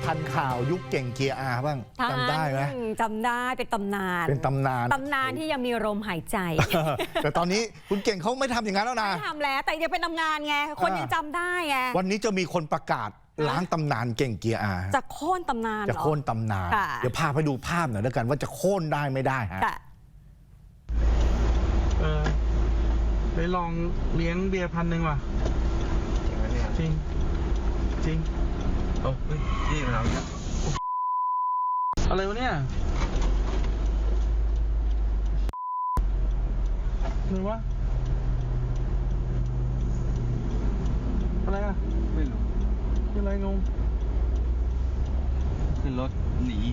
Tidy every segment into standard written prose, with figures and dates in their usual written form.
ทันข่าวยุคเก่งเกียร์อาบ้างจำได้ไหมจำได้เป็นตำนานตำนานที่ยังมีลมหายใจแต่ตอนนี้คุณเก่งเขาไม่ทำอย่างนั้นแล้วนะไม่ทำแล้วแต่ยังเป็นตำนานไงคนยังจำได้ไงวันนี้จะมีคนประกาศล้างตำนานเก่งเกียร์อาจะโค่นตำนานจะโค่นตำนานเดี๋ยวพาไปดูภาพหน่อยแล้วกันว่าจะโค่นได้ไม่ได้ฮะไปลองเลี้ยงเบียร์1,000ว่ะจริงจริงโอ้ยนี่มันอะไรวะเนี่ยหรือว่าอะไรอ่ะไม่รู้คืออะไรงงขึ้นรถหนี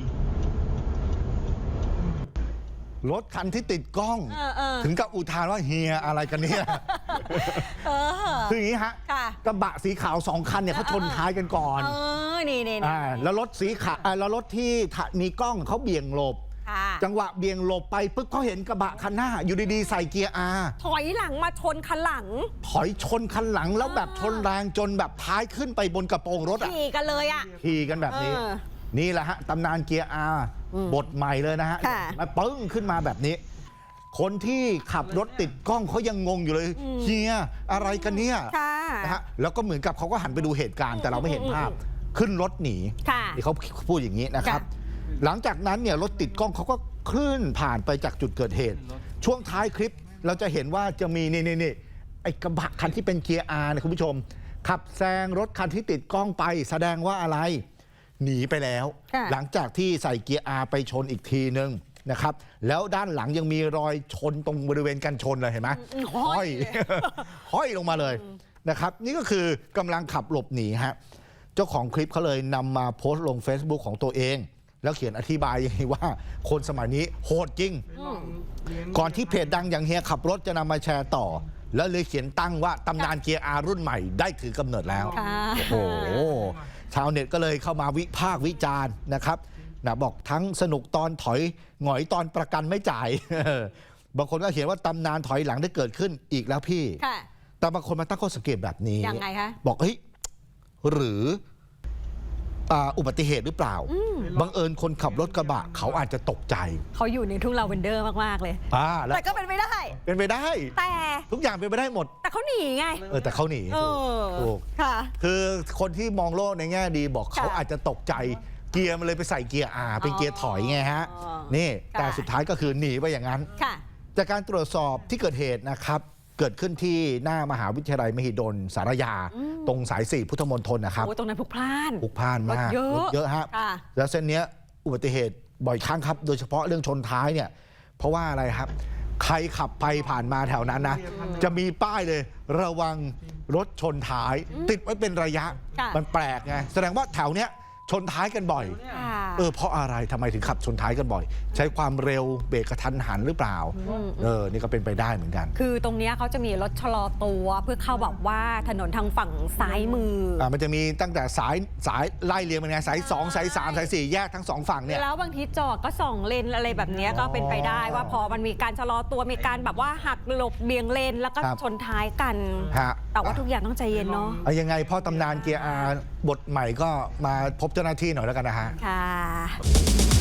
รถคันที่ติดกล้องถึงกับอุทานว่าเฮียอะไรกันเนี่ยคืออย่างนี้ฮะกระบะสีขาว2 คันเนี่ยเขาชนท้ายกันก่อนนี่แล้วรถสีขาวแล้วรถที่มีกล้องเขาเบี่ยงหลบจังหวะเบี่ยงหลบไปปุ๊บเขาเห็นกระบะคันหน้าอยู่ดีๆใส่เกียร์อาถอยหลังมาชนคันหลังถอยชนคันหลังแล้วแบบชนแรงจนแบบท้ายขึ้นไปบนกระโปรงรถขี่กันเลยขี่กันแบบนี้นี่แหละฮะตำนานเกียร์อาบทใหม่เลยนะฮะมาปึ้งขึ้นมาแบบนี้คนที่ขับรถติดกล้องเขายังงงอยู่เลยเฮียอะไรกันเนี่ยนะฮะแล้วก็เหมือนกับเขาก็หันไปดูเหตุการณ์แต่เราไม่เห็นภาพขึ้นรถหนีที่เขาพูดอย่างนี้นะครับหลังจากนั้นเนี่ยรถติดกล้องเขาก็เคลื่อนผ่านไปจากจุดเกิดเหตุช่วงท้ายคลิปเราจะเห็นว่าจะมีนี่ไอ้กระบะคันที่เป็นเกียร์อาร์เนี่ยคุณผู้ชมขับแซงรถคันที่ติดกล้องไปแสดงว่าอะไรหนีไปแล้วหลังจากที่ใส่เกียร์อาร์ไปชนอีกทีนึงนะครับแล้วด้านหลังยังมีรอยชนตรงบริเวณกันชนเลยเห็นไหมห้อยลงมาเลยนะครับนี่ก็คือกำลังขับหลบหนีฮะเจ้าของคลิปเขาเลยนำมาโพสต์ลง Facebook ของตัวเองแล้วเขียนอธิบายว่าคนสมัยนี้โหดจริงก่อนที่เพจดังอย่างเฮียขับรถจะนำมาแชร์ต่อแล้วเลยเขียนตั้งว่าตำนานเกียร์อาร์รุ่นใหม่ได้ถือกำเนิดแล้วโอ้โหชาวเน็ตก็เลยเข้ามาวิพากษ์วิจารณ์นะครับบอกทั้งสนุกตอนถอยหงอยตอนประกันไม่จ่ายบางคนก็เขียนว่าตำนานถอยหลังได้เกิดขึ้นอีกแล้วพี่แต่บางคนมาตั้งข้อสังเกตแบบนี้ยังไงคะบอกเฮ้ยหรืออุบัติเหตุหรือเปล่าบังเอิญคนขับรถกระบะเขาอาจจะตกใจเขาอยู่ในทุ่งลาเวนเดอร์มากๆเลยแต่ก็เป็นไปได้แต่ทุกอย่างเป็นไปได้หมดแต่เขาหนีไงแต่เขาหนีถูกคือคนที่มองโลกในแง่ดีบอกเขาอาจจะตกใจเกียร์มันเลยไปใส่เกียร์อาเป็นเกียร์ถอยไงฮะนี่แต่สุดท้ายก็คือหนีไปอย่างนั้นจากการตรวจสอบที่เกิดเหตุนะครับเกิดขึ้นที่หน้ามหาวิทยาลัยมหิดลสารยาตรงสาย4พุทธมณฑลนะครับตรงนั้นพลุกพล่านมากรถเยอะฮะแล้วเส้นนี้อุบัติเหตุบ่อยครั้งครับโดยเฉพาะเรื่องชนท้ายเนี่ยเพราะว่าอะไรครับใครขับไปผ่านมาแถวนั้นนะจะมีป้ายเลยระวังรถชนท้ายติดไว้เป็นระยะมันแปลกไงแสดงว่าแถวเนี้ยชนท้ายกันบ่อยเพราะอะไรทำไมถึงขับชนท้ายกันบ่อยใช้ความเร็วเบรกกระทันหันหรือเปล่านี่ก็เป็นไปได้เหมือนกันคือตรงนี้เขาจะมีรถชะลอตัวเพื่อเข้าแบบว่าถนนทางฝั่งซ้ายมือมันจะมีตั้งแต่สายไล่เรียงเป็นไงสาย2สาย3สาย4แยกทั้ง2ฝั่งเนี่ยแล้วบางทีจอดก็2เลนอะไรแบบนี้ก็เป็นไปได้ว่าพอมันมีการชะลอตัวมีการแบบว่าหักหลบเบี่ยงเลนแล้วก็ชนท้ายกันแต่ว่าทุกอย่างต้องใจเย็นเนาะยังไงพ่อตำนานเกียร์อาบทใหม่ก็มาพบเจ้าหน้าที่หน่อยแล้วกันนะฮะค่ะ